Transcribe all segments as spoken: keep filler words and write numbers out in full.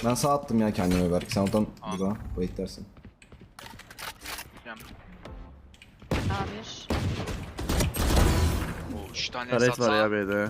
Ben sağ attım ya kendime belki. Sen oradan burada wait dersin. A bir. Oo, üç tane Taret satsa. var ya B'de.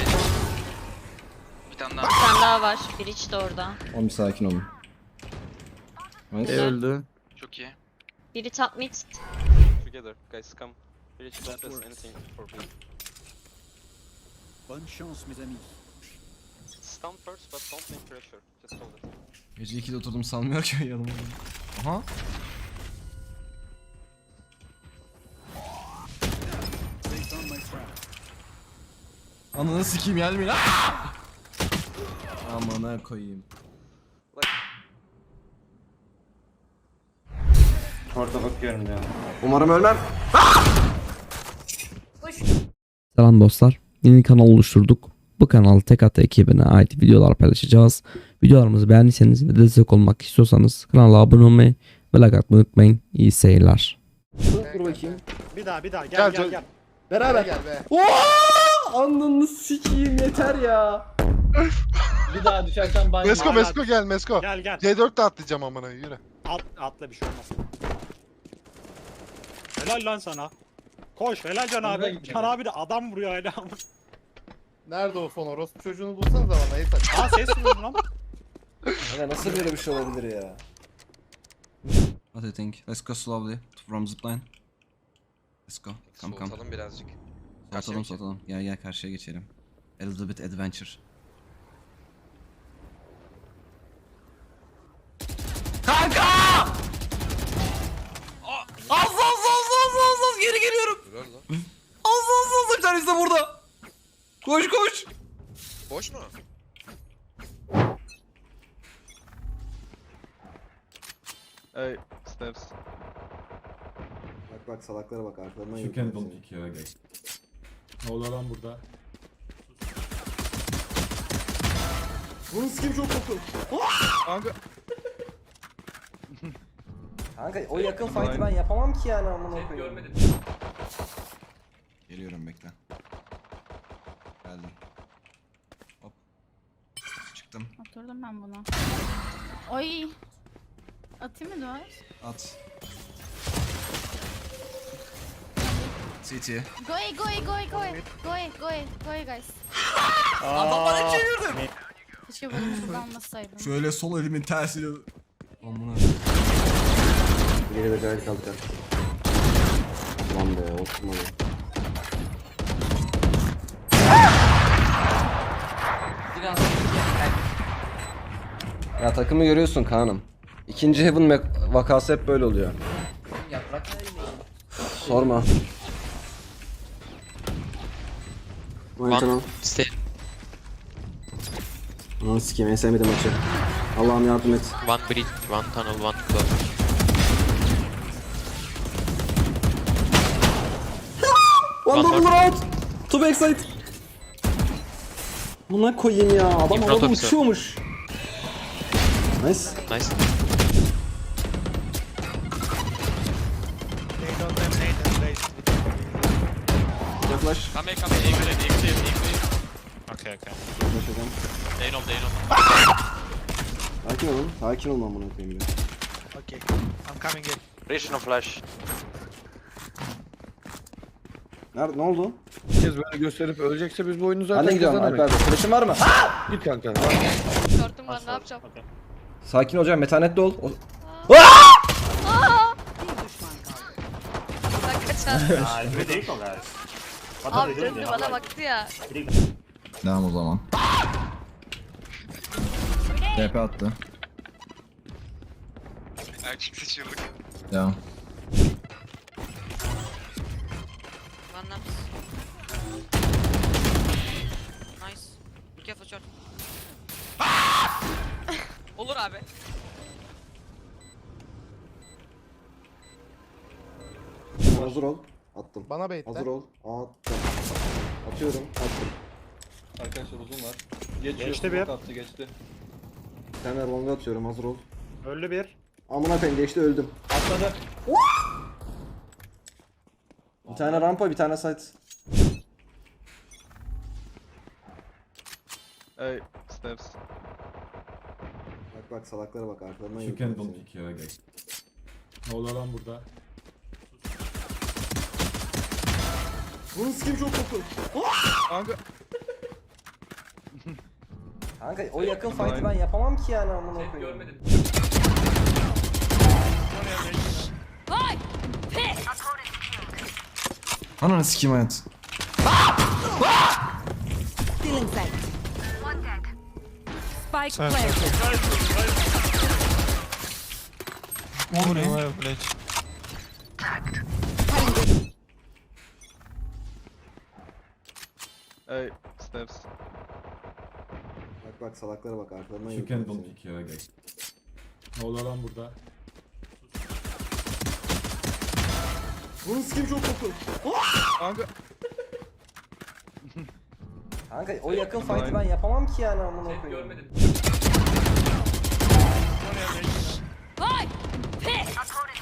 Bir tane daha. Bir tane daha var. Bridge de orada. Oğlum bir sakin olun. E Nice. öldü. Çok iyi. Biri top mid. Together, guys, come. Reach that is anything for me. Bonne chance mes amis. Stun first, but don't make pressure. Just hold it. Gece ikide oturdum sanmıyor ki yanıma. Aha. They found my trap. Ananı sikeyim gelmeyin. Amına koyayım. Orada bakıyorum ya. Umarım ölmem. Selam dostlar. Yeni kanal oluşturduk. Bu kanal Tek At ekibine ait videolar paylaşacağız. Videolarımızı beğendiyseniz ve destek olmak istiyorsanız kanala abone olmayı ve like atmayı unutmayın. İyi seyirler. Dur bakayım. Bir daha bir daha gel gel gel. Beraber. Gel be. Ooo! Ananı sikeyim yeter ya. Bir daha düşersen banyo. Mesko, Mesko, gel Mesko. Gel gel. C dört de atlayacağım amına yürü. At, atla bir şey olmaz. Helal lan sana. Koş helal Can Nereye abi. gideceğim Can ben? abi de adam vuruyor hala. Nerede o fon orospu çocuğunu bulsanız bana yeter. Aa ses duyuyorum lan. Ya nasıl böyle bir şey olabilir ya? What do you think? Let's go slowly from zipline. Let's go. Come come. Soğutalım birazcık. Soğutalım soğutalım. Gel gel karşıya geçelim. A little bit adventure. Kanka! Az az az az az az geri geliyorum. Az az az bir tanesi de burada. Koş koş. Boş mu? Hey, steps. Bak bak salaklara bak arkalarından You can don't pick ya guys. Ne oluyor lan burada? Bunun skin çok kokulu. Kanka. Kanka o yakın fight'ı ben yapamam ki yani amına koyayım. Geliyorum bekle. Geldim. Hop. Çıktım. Oturdum ben buna. Oy. Atayım mı duvar? At. C T. Go away, go away, go away, go away. Go away, go away, go away guys. Adam bana çevirdim. Keşke bunu şuradan almasaydım. Şöyle sol elimin tersiyle. Amına. Geri de gayet kalacak. Lan be oturmadı. Ya takımı görüyorsun Kaan'ım. İkinci Heaven vakası hep böyle oluyor. Yaprak. Sorma. One Stay. Ananı sikeyim en sevmediğim maçı. Allah'ım yardım et. One bridge, one tunnel, one close. One One double round. Two backside. Buna koyayım ya. Adam In front havada of you. uçuyormuş. Nice. Nice. They don't have nade and raise. Flash. Come here, come here. Eagle it, eagle it, eagle it. Okay okay. Flash hocam. They know, they know. Sakin olun. Sakin olun amına koyayım ya. Okay. I'm coming in. Reach no flash. Nerede? Ne oldu? Bir kez böyle gösterip ölecekse biz bu oyunu zaten Ben de gidiyorum Alper Bey. Flash'ın var mı? Git kanka. Gördüm ben ne yapacağım? Sakin olacağım. Metanetli ol. O- Bak kaçar. Abi döndü bana baktı ya. Devam o zaman. T P attı. Erkek sıçırdık. Devam. One laps. Nice. Be careful short. Olur abi. Hazır ol. Attım. Bana bait Hazır ol. Attım. Atıyorum. Attım. Arkadaşlar uzun var. Geçiyor. Geçti bir. Attı geçti. Bir tane longa atıyorum. Hazır ol. Öldü bir. Amına koyayım geçti öldüm. Atladı. Bir tane rampa bir tane site. Hey, steps. Bak Bak bak salaklara bak arkalarından Chicken yürüyor don't seni. pick ya guys. Ne oluyor lan burada? Bunun skin çok kokulu. Kanka. Kanka o yakın fight'ı ben yapamam ki yani amına koyayım. Vay! Pis! Ananı sikeyim hayat. Stealing sight. Spike planted. Hey, stairs. Bak bak salaklara bak arkalarından Chicken yürüyor don't seni. pick ya guys. Ne oluyor lan burada? Bunun skin çok kokulu. Kanka. Kanka o yakın fight'ı ben yapamam ki yani amına koyayım. Vay! Pis!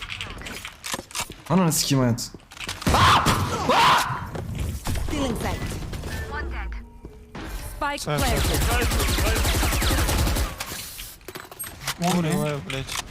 Ananı sikeyim hayat. Stealing sight. Spike planted. One,